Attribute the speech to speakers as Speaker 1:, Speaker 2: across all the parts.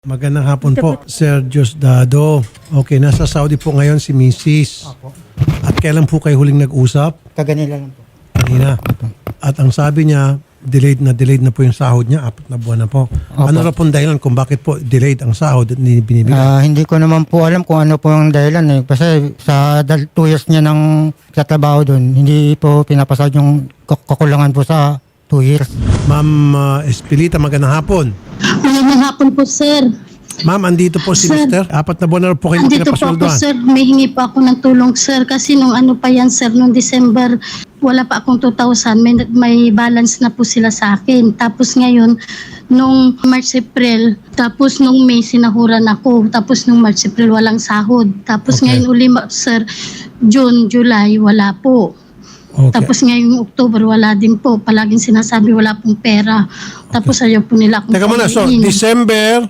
Speaker 1: Magandang hapon po, Sir Diosdado. Okay, nasa Saudi po ngayon si Mrs.
Speaker 2: Opo.
Speaker 1: At kailan po kayo huling nag-usap?
Speaker 2: Kaganila lang po.
Speaker 1: Kanina. At ang sabi niya, delayed na po yung sahod niya. 4 na buwan na po.
Speaker 2: Opo.
Speaker 1: Ano na pong dahilan kung bakit po delayed ang sahod at hindi binibigay?
Speaker 2: Hindi ko naman po alam kung ano po yung dahilan eh. Kasi sa 2 years niya ng katrabaho doon, hindi po pinapasahod yung kakulangan po sa 2 years.
Speaker 1: Ma'am Espilita, magandang hapon.
Speaker 3: Magandang hapon po, sir.
Speaker 1: Ma'am, andito po si
Speaker 3: Sir.
Speaker 1: Mr. 4 na buwan na po kayo
Speaker 3: Andito po ako,
Speaker 1: pinapasweldohan.
Speaker 3: sir. May hingi pa ako ng tulong, sir. Kasi nung ano pa yan, sir, nung December, wala pa akong 2,000. May balance na po sila sa akin. Tapos ngayon, nung March, April, tapos nung May, sinahuran ako. Tapos nung March, April, walang sahod. Tapos
Speaker 1: Okay.
Speaker 3: ngayon uli, sir, June, July, wala po.
Speaker 1: Okay.
Speaker 3: Tapos ngayong October, wala din po. Palaging sinasabi, wala pong pera. Tapos ayaw po nila akong
Speaker 1: Teka muna, so
Speaker 3: pamainin.
Speaker 1: December,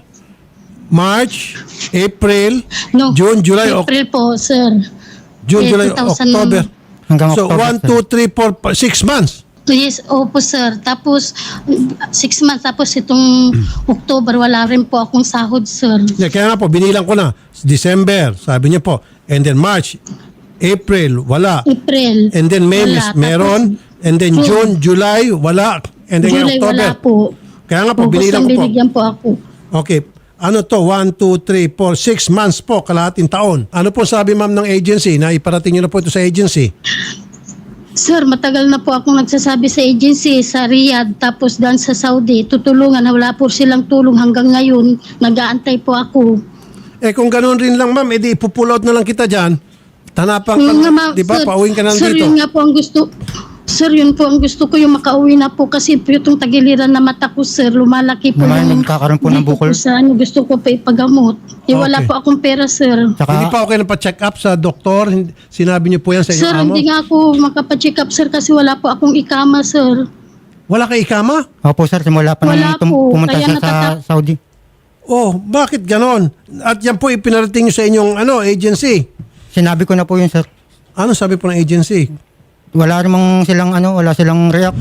Speaker 1: March, April,
Speaker 3: No,
Speaker 1: June, July,
Speaker 3: April po, sir.
Speaker 1: June,
Speaker 3: Eh,
Speaker 1: July,
Speaker 3: 2000
Speaker 1: October.
Speaker 2: Hanggang
Speaker 1: So,
Speaker 2: October,
Speaker 1: 1, 2, 3, 4, 6 months.
Speaker 3: Yes, opo, sir. Tapos, 6 months. Tapos itong October, wala rin po akong sahod, sir.
Speaker 1: Yeah, kaya nga po, binilang ko na. December, sabi niya po. And then March, April, wala.
Speaker 3: April.
Speaker 1: And then May,
Speaker 3: wala.
Speaker 1: meron. And then June, July, wala. And then
Speaker 3: July,
Speaker 1: October.
Speaker 3: wala po.
Speaker 1: Kaya nga po,
Speaker 3: August
Speaker 1: binilang
Speaker 3: ang
Speaker 1: ko po.
Speaker 3: binigyan po ako.
Speaker 1: Okay. Ano to? 1, 2, 3, 4, 6 months po, kalahating taon. Ano po sabi ma'am ng agency na iparating niyo na po ito sa agency?
Speaker 3: Sir, matagal na po akong nagsasabi sa agency, sa Riyadh, tapos doon sa Saudi, tutulungan. Wala po silang tulong hanggang ngayon. Nag-aantay po ako.
Speaker 1: Eh kung ganoon rin lang ma'am, edi ipupull out na lang kita dyan. Tanapan ka,
Speaker 3: Yun nga, ma'am,
Speaker 1: di ba?
Speaker 3: sir.
Speaker 1: Pauwiin ka na
Speaker 3: Sir,
Speaker 1: dito.
Speaker 3: yun nga po ang gusto. Sir, yun po ang gusto ko, yung makauwi na po kasi po itong tagiliran na mata ko, sir, lumalaki po
Speaker 2: Naman, nagkakaroon po ng
Speaker 3: dito
Speaker 2: bukol.
Speaker 3: po sa ano, gusto ko pa ipagamot. Eh, wala
Speaker 1: Okay.
Speaker 3: po akong pera, sir.
Speaker 2: Tsaka,
Speaker 1: Hindi pa okay na pa-check up sa doktor? Sinabi niyo po yan sa
Speaker 3: Sir,
Speaker 1: inyong amo?
Speaker 3: hindi nga ako makapacheck up, sir, kasi wala po akong ikama, sir.
Speaker 1: Wala kay ikama?
Speaker 2: opo sir, simula pa
Speaker 3: Wala
Speaker 2: nung
Speaker 3: po.
Speaker 2: pumunta
Speaker 3: Kaya
Speaker 2: siya sa Saudi.
Speaker 1: Oh, bakit ganon? At yan po ipinarating niyo sa inyong agency.
Speaker 2: Sinabi ko na po yun sir.
Speaker 1: Ano sabi po ng agency?
Speaker 2: Wala namang silang wala silang react.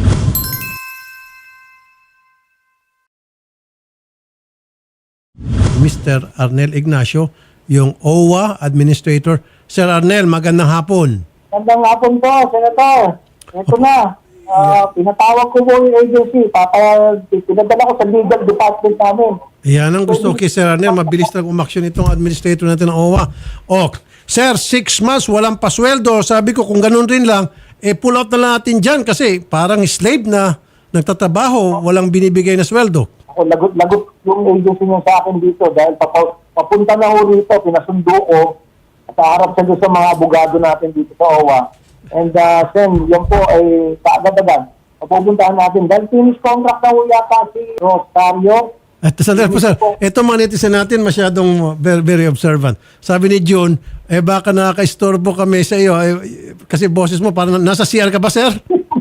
Speaker 1: Mr. Arnel Ignacio, yung OWA Administrator. Sir Arnel, magandang hapon.
Speaker 4: Magandang hapon po, Senator. Ito na. Pinatawag ko po yung agency. Pinadala ko sa legal department namin.
Speaker 1: Yan ang gusto ko kay Sir Arnel. Mabilis lang umaksyon itong administrator natin ng OWA. Sir, 6 months, walang pasweldo. Sabi ko, kung ganun rin lang, pull out na lang natin dyan kasi parang slave na nagtatrabaho, walang binibigay na sweldo.
Speaker 4: Ako, lagot yung agency niya sa akin dito dahil papunta na ho rito, pinasundo ko at harap siya doon sa mga abogado natin dito sa OWA. And Sen, yan po ay kaagad-agad. Papupuntahan natin dahil finish contract na ho yata si Rosario.
Speaker 1: At sandali po sir, ito mga netizen natin masyadong very, very observant. Sabi ni June, baka nakaka-istorbo kami sa iyo. Kasi boses mo, parang nasa CR ka ba sir?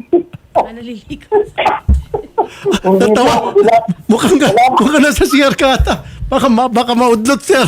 Speaker 4: Hindi
Speaker 1: Natawa.
Speaker 4: po, wala-
Speaker 1: Mukhang nasa CR ka ata. Baka maudlot sir.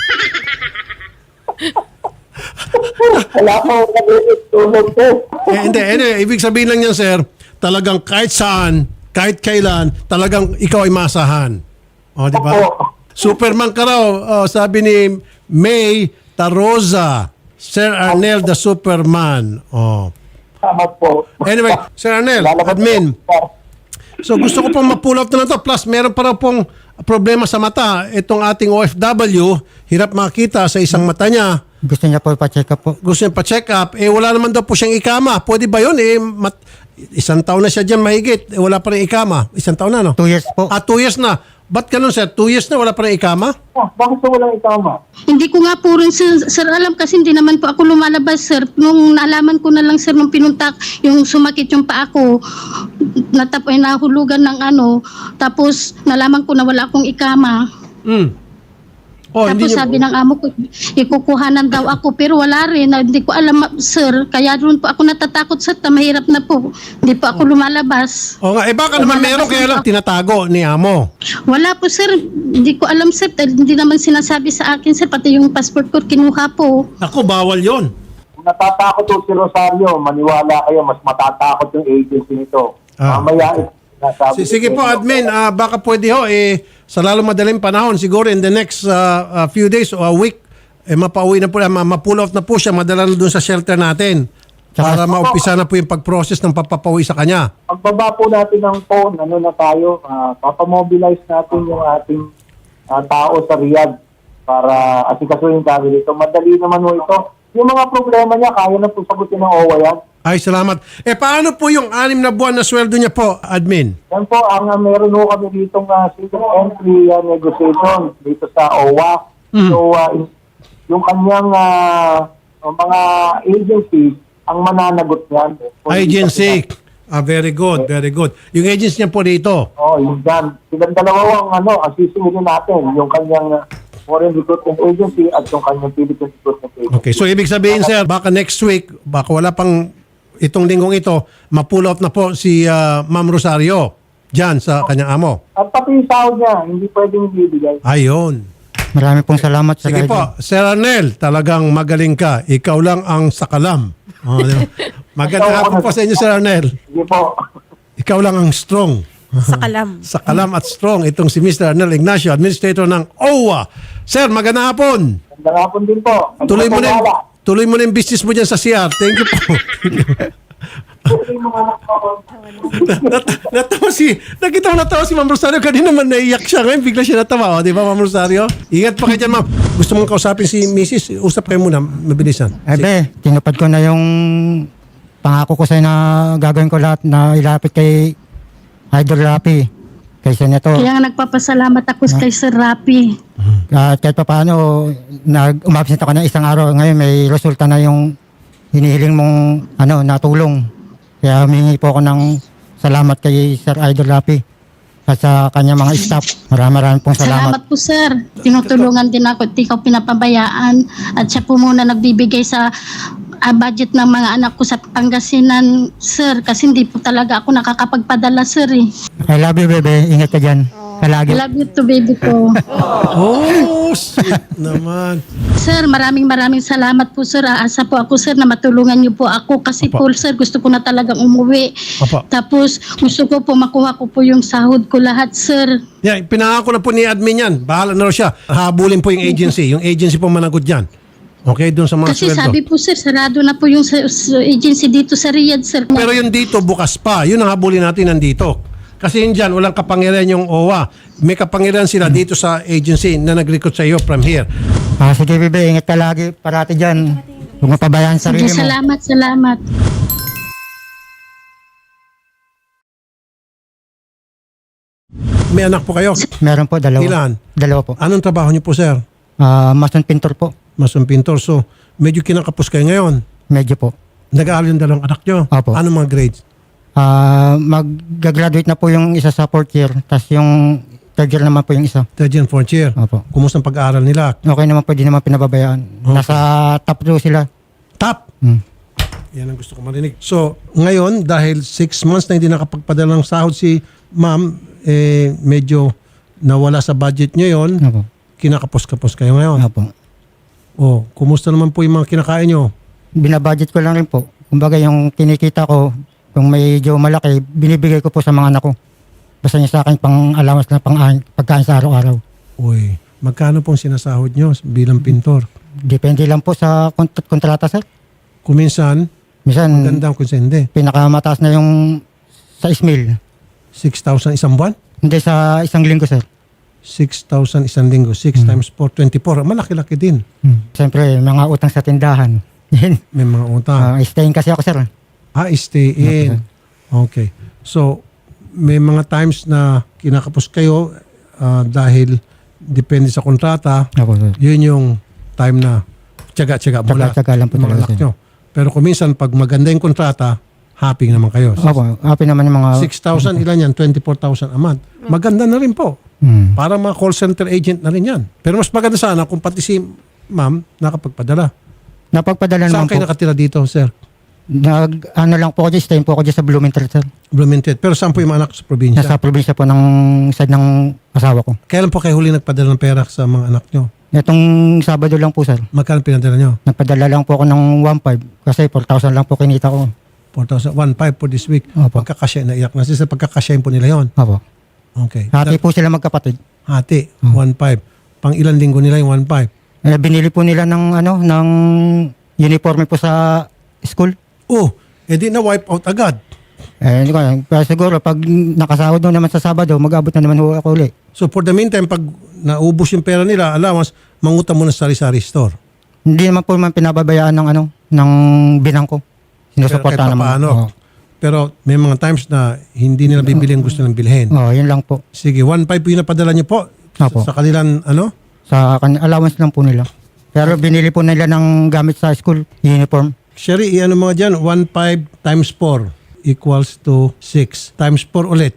Speaker 4: Wala po, nag-tulog po.
Speaker 1: Hindi, anyway, ibig sabihin lang yan sir, talagang kahit saan, kahit kailan, talagang ikaw ay masahan. O, di ba?
Speaker 4: Opo.
Speaker 1: Superman ka raw, sabi ni May Taroza. Sir Arnel the Superman. Oh.
Speaker 4: Tama po.
Speaker 1: Anyway, Sir Arnel,
Speaker 4: Lalabas
Speaker 1: admin.
Speaker 4: po.
Speaker 1: So gusto ko pong ma-pull out na to. Plus, meron pa raw pong problema sa mata. Itong ating OFW, hirap makita sa isang mata niya.
Speaker 2: Gusto niya po pa-check up po.
Speaker 1: Gusto niya pa-check up. Wala naman daw po siyang ikama. Pwede ba yun? Isang taon na siya dyan mahigit. Wala pa rin ikama. Isang taon na, no?
Speaker 2: 2 years po.
Speaker 1: 2 years na. Ba't ganun, sir? 2 years na wala pa rin ikama?
Speaker 4: Bakit po walang itama?
Speaker 3: Hindi ko nga po rin, sir, alam kasi hindi naman po ako lumalabas, sir. Nung naalaman ko na lang, sir, nung pinuntak, yung sumakit yung paa ko, nahulugan ng tapos nalaman ko na wala akong ikama. Tapos sabi ng amo ko, ikukuhanan daw ako, pero wala rin. Hindi ko alam, sir. Kaya doon po ako natatakot, sir. Mahirap na po. Hindi po ako lumalabas.
Speaker 1: O nga, baka naman meron kaya lang tinatago ni amo.
Speaker 3: Wala po, sir. Hindi ko alam, sir. Hindi naman sinasabi sa akin, sir. Pati yung passport ko, kinuha po.
Speaker 1: Ako, bawal yon.
Speaker 4: Kung natatakot po si Rosario, maniwala kayo, mas matatakot yung agency nito. Mamaya, nasabi
Speaker 1: Sige
Speaker 4: ko
Speaker 1: po,
Speaker 4: sa inyo.
Speaker 1: admin, baka pwede ho, sa lalong madaling panahon, siguro in the next few days or a week, mapauwi na po, ma-pull off na po siya, madala na doon sa shelter natin. Para maumpisa na po yung pag-process ng papapauwi sa kanya.
Speaker 4: Pagbaba po natin ng phone, ano na tayo, papamobilize natin yung ating tao sa Riyadh para asikasuhin kami dito. Madali naman mo ito. Yung mga problema niya, kaya na po sagutin ng OWA yan.
Speaker 1: Ay, salamat. Paano po yung 6 na buwan na sweldo niya po, admin?
Speaker 4: Yan po, meron po kami dito single entry negotiation dito sa OWA. So, yung kanyang mga agencies, ang mananagot yan.
Speaker 1: Agency. Very good, very good. Yung agency niya po dito.
Speaker 4: Yung dyan. Silang dalawa ang sisingilin natin. Yung kanyang foreign recruitment agency at yung kanyang Philippine recruitment agency.
Speaker 1: Okay, so ibig sabihin, sir, baka next week, baka wala pang itong linggong ito, ma-pull out na po si Ma'am Rosario dyan sa kanyang amo.
Speaker 4: At pati yung sahod niya, hindi pwedeng ibibigay.
Speaker 1: Ayun.
Speaker 2: Maraming pong salamat sa
Speaker 1: Sige
Speaker 2: guide.
Speaker 1: po, Sir Arnel, talagang magaling ka. Ikaw lang ang sakalam. Di ba? Magandang hapon po sa inyo, Sir Arnel.
Speaker 4: Sige po.
Speaker 1: Ikaw lang ang strong.
Speaker 5: Sa kalam.
Speaker 1: Sakalam at strong itong si Mr. Arnel Ignacio, Administrator ng OWA. Sir, magandang hapon.
Speaker 4: Magandang hapon din po.
Speaker 1: Tuloy mo na yung business mo dyan sa CR. Thank you po. Natawa si Ma'am Rosario. Kanina naman naiyak siya. Ngayon bigla siya natawa. Di ba, Ma'am Rosario? Ingat pa kayo dyan, Ma'am. Gusto mong kausapin si Mrs. Usap kayo muna. Mabilisan.
Speaker 2: Ebe, tinupad ko na yung pangako ko sa'yo na gagawin ko lahat na ilapit kay Idol Rapi, kay Senator.
Speaker 3: Kaya nga nagpapasalamat ako kay Sir Rapi.
Speaker 2: At kahit pa paano, umabsent ako ng isang araw. Ngayon may resulta na yung hinihiling mong natulong. Kaya humingi po ako ng salamat kay Sir Idol Rapi at sa kanya mga staff. Maraming pong salamat.
Speaker 3: Salamat po, sir. Tinutulungan din ako at ikaw pinapabayaan. At siya po muna nagbibigay sa budget ng mga anak ko sa Pangasinan, sir. Kasi hindi po talaga ako nakakapagpadala, sir.
Speaker 2: I love you, bebe. Ingat ka dyan. Palagi.
Speaker 3: I love you too, baby ko.
Speaker 1: Oh, sweet naman.
Speaker 3: Sir, maraming salamat po, sir. Aasa po ako, sir, na matulungan niyo po ako. Kasi
Speaker 1: Opo.
Speaker 3: po, sir, gusto ko na talagang umuwi.
Speaker 1: Opo.
Speaker 3: Tapos, gusto ko po makuha ko po yung sahod ko lahat, sir.
Speaker 1: Yeah, pinangako na po ni admin yan. Bahala na raw siya. Habulin po yung agency. Yung agency po managot dyan. Okay, doon sa mga
Speaker 3: Kasi
Speaker 1: sweldo.
Speaker 3: sabi po, sir, sarado na po yung agency dito sa Riyadh, sir.
Speaker 1: Pero yung dito, bukas pa. Yun ang habulin natin nandito. Kasi yun dyan, walang kapangyarihan yung OWA. May kapangyarihan sila dito sa agency na nag-recruit sa iyo from here.
Speaker 2: Sige, bebe. Ingat ka lagi. Parati dyan. Huwag mapabayaan sa
Speaker 3: Sige,
Speaker 2: sarili mo.
Speaker 3: salamat.
Speaker 1: May anak po kayo.
Speaker 2: Meron po, dalawa.
Speaker 1: Ilan?
Speaker 2: Dalawa po.
Speaker 1: Anong trabaho niyo po, sir?
Speaker 2: Mason pintor po.
Speaker 1: Masong pintor. So, medyo kinakapos kayo ngayon.
Speaker 2: Medyo po.
Speaker 1: Nag-aaral yung dalawang anak niyo.
Speaker 2: Opo.
Speaker 1: Anong mga grades?
Speaker 2: Mag-graduate na po yung isa sa 4th year. Tapos yung 3rd year naman po yung isa.
Speaker 1: Third and fourth year.
Speaker 2: Opo.
Speaker 1: Kumusta ang pag-aaral nila?
Speaker 2: Okay naman po, di naman pinababayaan.
Speaker 1: Okay.
Speaker 2: Nasa top 2 sila.
Speaker 1: Top!
Speaker 2: Hmm.
Speaker 1: Yan ang gusto ko marinig. So, ngayon, dahil 6 months na hindi nakapagpadala ng sahod si ma'am, medyo nawala sa budget niyo yon.
Speaker 2: Opo.
Speaker 1: Kinakapos-kapos kayo ngayon.
Speaker 2: Opo.
Speaker 1: Oh, kumusta naman po yung mga kinakain nyo?
Speaker 2: Binabudget ko lang rin po. Kumbaga yung kinikita ko, kung medyo malaki, binibigay ko po sa mga anak ko. Basta niya sa akin pang allowance na pagkain sa araw-araw.
Speaker 1: Uy, magkano pong sinasahod nyo bilang pintor?
Speaker 2: Depende lang po sa kontrata, sir.
Speaker 1: Kuminsan,
Speaker 2: Minsan,
Speaker 1: magandang kung hindi.
Speaker 2: pinakamataas na yung sa ismail.
Speaker 1: 6,000 isang buwan?
Speaker 2: Hindi sa isang linggo, sir.
Speaker 1: 6,000 isang linggo. 6 times 4, 24. Malaki-laki din.
Speaker 2: Siyempre, mga utang sa tindahan. Yan.
Speaker 1: May mga utang.
Speaker 2: Staying kasi ako, sir.
Speaker 1: Stay in. Okay. So, may mga times na kinakapos kayo dahil depende sa kontrata,
Speaker 2: Opo, sir.
Speaker 1: yun yung time na tiyaga-tiyaga mula
Speaker 2: Tiyaga-tiyaga lang po
Speaker 1: ng mga
Speaker 2: talaga,
Speaker 1: anak
Speaker 2: sir.
Speaker 1: nyo. Pero kung minsan, pag maganda yung kontrata, happy naman kayo.
Speaker 2: Opo, happy naman yung mga...
Speaker 1: 6,000 ilan yan? 24,000 a month. Maganda na rin po.
Speaker 2: Hmm.
Speaker 1: Parang mga call center agent na rin yan. Pero mas maganda sana kung pati si ma'am nakapagpadala.
Speaker 2: Napagpadala
Speaker 1: Saan
Speaker 2: naman
Speaker 1: kayo
Speaker 2: po.
Speaker 1: nakatira dito, sir?
Speaker 2: Ano lang po ako dyan, staying po ako dyan sa Blumentritt, sir.
Speaker 1: Blumentritt. Pero saan po yung mga anak sa probinsya?
Speaker 2: Nasa probinsya po ng side ng asawa ko.
Speaker 1: Kailan po kayo huli nagpadala ng pera sa mga anak nyo?
Speaker 2: Itong Sabado lang po, sir.
Speaker 1: Magkano pinadala nyo?
Speaker 2: Nagpadala lang po ako ng 1,500 kasi 4,000 lang po kinita ko.
Speaker 1: 4,000, 1,500 for this week.
Speaker 2: Opo.
Speaker 1: Pagkakasya, naiyak na sila. Pagkakasyahin po nila yon.
Speaker 2: Opo.
Speaker 1: Okay.
Speaker 2: Hati po sila magkapatid.
Speaker 1: Hati, 1,500. Pang ilang linggo nila yung 1,500.
Speaker 2: Binili po nila ng uniforme po sa school.
Speaker 1: Oh, edi na wipe out agad.
Speaker 2: Hindi ko alam. Pero siguro pag nakasahod doon naman sa Sabado, mag-abot na naman ho ako ulit.
Speaker 1: So for the meantime, pag naubos yung pera nila, allowance, mangutang muna sa sari-sari store.
Speaker 2: Hindi naman po man pinababayaan ng binang ko. Sinusuporta
Speaker 1: Kahit
Speaker 2: naman.
Speaker 1: papaano.
Speaker 2: Oo.
Speaker 1: Pero may mga times na hindi nila bibili ang gusto ng bilhin.
Speaker 2: Oo, yun lang po.
Speaker 1: Sige, 1,500 po yung napadala niyo po
Speaker 2: Opo.
Speaker 1: sa kanilang
Speaker 2: Sa allowance lang po nila. Pero binili po nila ng gamit sa school, uniform.
Speaker 1: Sherry, i-ano mga dyan, 1,500 times 4 equals to 6. Times 4 ulit,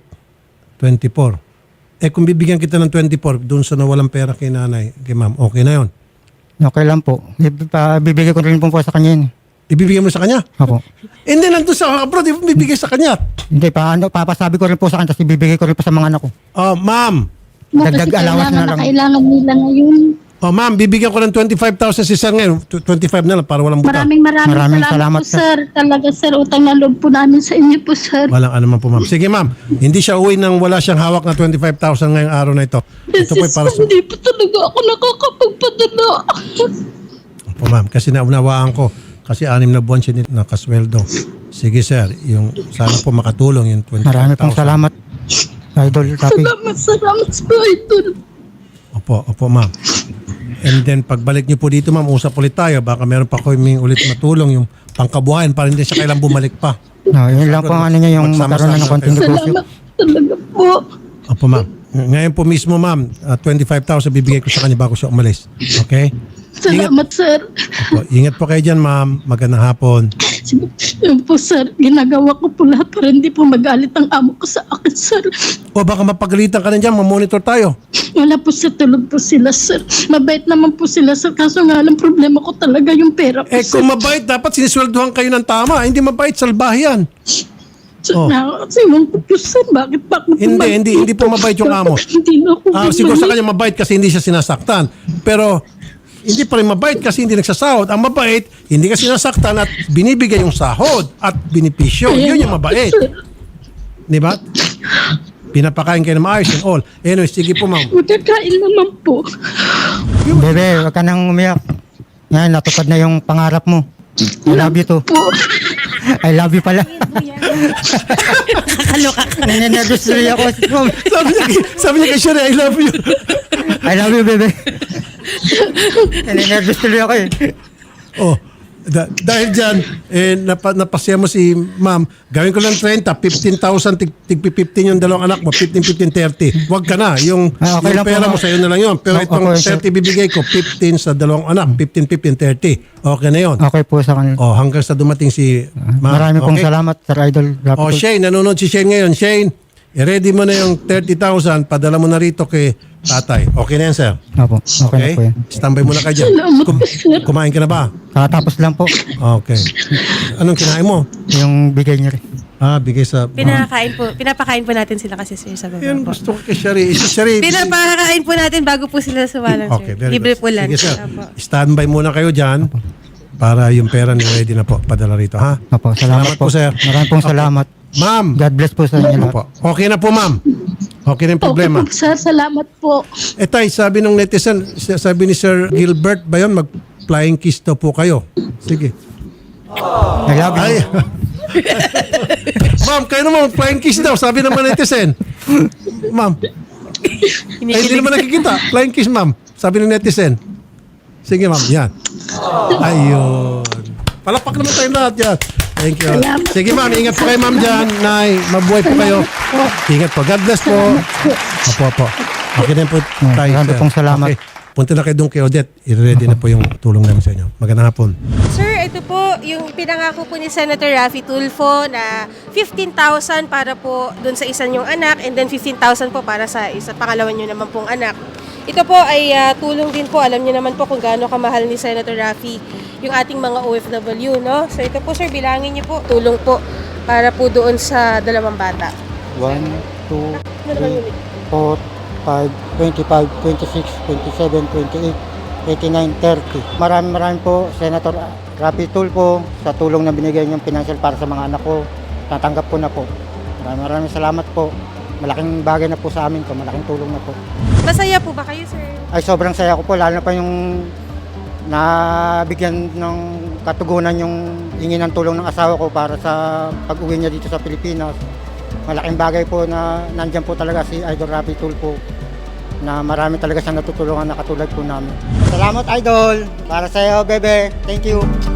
Speaker 1: 24. Eh kung bibigyan kita ng 24, doon sa nawalang pera kay nanay, kay ma'am, okay na yon.
Speaker 2: Okay lang po. Bibigay ko rin po sa kanya yun.
Speaker 1: Ibibigay mo sa kanya?
Speaker 2: Opo.
Speaker 1: Hindi, nandun sa abroad, ibibigay sa kanya.
Speaker 2: Hindi, papasabi ko rin po sa kanya, tapos ibibigay ko rin po sa mga anak ko.
Speaker 1: Oh, ma'am.
Speaker 2: Dagdag
Speaker 3: Kasi
Speaker 2: allowance na lang.
Speaker 3: kailangan nila ngayon.
Speaker 1: Oh, ma'am, bibigyan ko ng 25,000 si sir ngayon. 25 na lang para walang buta.
Speaker 3: Maraming
Speaker 2: Maraming
Speaker 3: salamat
Speaker 2: salamat,
Speaker 3: po, sir. Talaga, sir. Utang na loob po namin sa inyo po, sir.
Speaker 1: Walang ano man po, ma'am. Sige, ma'am. Hindi siya uwi nang wala siyang hawak na 25,000 ngayong araw na ito. Ito po ay para sa...
Speaker 3: Hindi po talaga ako nakakapagpadala.
Speaker 1: Po, ma'am. Kasi naunawaan ko. Kasi 6 na buwan siya nakasweldo. Sige, sir. Yung, sana po makatulong yung 25,000.
Speaker 2: Marami pong salamat, Idol Rafi.
Speaker 3: Salamat po, Idol.
Speaker 1: Opo, ma'am. And then, pagbalik niyo po dito, ma'am, usap ulit tayo. Baka meron pa ko may ulit matulong yung pangkabuhayan para hindi siya kailang bumalik pa.
Speaker 2: No, yun lang po ang ano niya, yung magkaroon na ng konting negosyo.
Speaker 3: Salamat talaga po.
Speaker 1: Opo, ma'am. Ngayon po mismo, ma'am, 25,000 bibigay ko sa kanya bago siya umalis. Okay?
Speaker 3: Salamat, sir.
Speaker 1: Opo, ingat po kayo dyan, ma'am. Magandang hapon.
Speaker 3: Yun po, sir. Ginagawa ko po lahat para hindi po magalit ang amo ko sa akin, sir.
Speaker 1: O baka mapagalitan ka na dyan, mamonitor tayo.
Speaker 3: Wala po, sir. Tulog po sila, sir. Mabait naman po sila, sir. Kaso nga lang problema ko talaga yung pera po,
Speaker 1: Eh
Speaker 3: sir.
Speaker 1: kung mabait, dapat sinisweldohan kayo ng tama. Hindi mabait, salbahe yan. Oh.
Speaker 3: Nakakasiwang ko po, sir. Bakit pa ako
Speaker 1: Hindi po mabait yung amo.
Speaker 3: Hindi na ako
Speaker 1: Siguro sa
Speaker 3: bumalik.
Speaker 1: kanya mabait kasi hindi siya sinasaktan. Pero hindi pa rin mabait kasi hindi nagsasahod. Ang mabait, hindi ka sinasaktan at binibigay yung sahod at binipisyo. Yun yung mabait. Di ba? Pinapakain kayo ng maayos and all. Anyway, sige po, ma'am.
Speaker 3: Magkakain naman po.
Speaker 2: Bebe, wag ka nang umiyak. Yan, natupad na yung pangarap mo. I love you too.
Speaker 3: Po.
Speaker 2: I love you pala.
Speaker 5: Kakaloka ka.
Speaker 2: Naninervous tuloy ako.
Speaker 1: Sabi niya kay Sherry, I love you.
Speaker 2: I love you, bebe. Naninervous tuloy ako eh.
Speaker 1: Oh, dahil dyan, napasya mo si ma'am, gawin ko lang 30, 15,000, tig 15 yung dalawang anak mo, 15, 15, 30. Huwag ka na. Yung,
Speaker 2: Okay
Speaker 1: yung
Speaker 2: lang po,
Speaker 1: pera
Speaker 2: ma'am.
Speaker 1: mo sa'yo na lang yun. Pero
Speaker 2: Okay,
Speaker 1: itong
Speaker 2: sir.
Speaker 1: 30 bibigay ko, 15 sa dalawang anak, 15, 15, 30. Okay na yun.
Speaker 2: Okay po sa kanila.
Speaker 1: Oh, hanggang sa dumating si ma'am.
Speaker 2: Marami pong
Speaker 1: Okay?
Speaker 2: salamat, Sir Idol Rafi.
Speaker 1: Oh, Shane, nanonood si Shane ngayon. Shane, i-ready mo na yung 30,000, padala mo na rito kay tatay. Okay na yan, sir?
Speaker 2: Opo, okay na
Speaker 1: Okay?
Speaker 2: po yan.
Speaker 1: Standby muna ka dyan.
Speaker 3: Salamat, sir.
Speaker 1: Kumain ka na ba?
Speaker 2: Kakatapos lang po
Speaker 1: Okay. Anong kinain mo?
Speaker 2: yung bigay niyo rin.
Speaker 1: Bigay sa...
Speaker 5: Pinapakain po natin sila kasi sir sa baba
Speaker 1: Yan
Speaker 5: po.
Speaker 1: gusto ko kay Sherry. Sherry.
Speaker 5: Pinapakain po natin bago po sila sumalang
Speaker 1: Okay,
Speaker 5: sir.
Speaker 1: very
Speaker 5: Libre
Speaker 1: good.
Speaker 5: po lang.
Speaker 1: Sige, sir.
Speaker 5: Opo.
Speaker 1: Standby muna kayo dyan para yung pera ni ready na po. Padala rito, ha?
Speaker 2: Opo, salamat po.
Speaker 1: sir.
Speaker 2: Maraming pong salamat.
Speaker 1: Ma'am.
Speaker 2: God bless po sa inyo lahat.
Speaker 1: Opo. Okay na po, ma'am. Okay na yung problema.
Speaker 3: Okay po, sir. Salamat po.
Speaker 1: Tay, sabi ng netizen, sabi ni Sir Gilbert ba yun, mag-flying kiss daw po kayo. Sige.
Speaker 2: I love you.
Speaker 1: Ay. Ma'am, kayo naman, flying kiss daw, sabi ng mga netizen. Ma'am. Ay, hindi naman nakikita. Flying kiss, ma'am. Sabi ng netizen. Sige, ma'am. Yan. Ayun. Palakpak naman tayo lahat yan. Thank you.
Speaker 3: Salamat
Speaker 1: Sige, ma'am. Ingat po kayo, ma'am, dyan. Nay, mabuhay po kayo. Ingat po. God bless po. Opo. Okay na po tayo.
Speaker 2: Marami
Speaker 1: sir.
Speaker 2: pong salamat.
Speaker 1: Okay. Punta na kayo doon kay Odette. I-ready na po yung tulong namin sa inyo. Magandang hapon.
Speaker 5: Sir, ito po yung pinangako po ni Senator Raffy Tulfo na 15,000 para po dun sa isa niyong anak and then 15,000 po para sa pangalawa niyo naman pong anak. Ito po ay tulong din po. Alam niyo naman po kung gaano kamahal ni Senator Raffy yung ating mga OFW, no? So ito po sir, bilangin niyo po. Tulong po para po doon sa dalawang bata.
Speaker 2: 1, 2, 3, 4, 5, 25, 26, 27, 28, 8930. Maraming po, Senator Rafi Tulfo, sa tulong na binigay niyong financial para sa mga anak ko. Tatanggap ko na po. Maraming salamat po. Malaking bagay na po sa amin to, malaking tulong na po.
Speaker 5: Masaya po ba kayo, sir?
Speaker 2: Ay sobrang saya ko po, lalo na pa yung nabigyan ng katugunan yung hingi ng tulong ng asawa ko para sa pag-uwi niya dito sa Pilipinas. Malaking bagay po na nandyan po talaga si Idol Rafi Tulfo na marami talaga siyang natutulungan na katulad po namin. Salamat Idol! Para sa iyo, bebe. Thank you!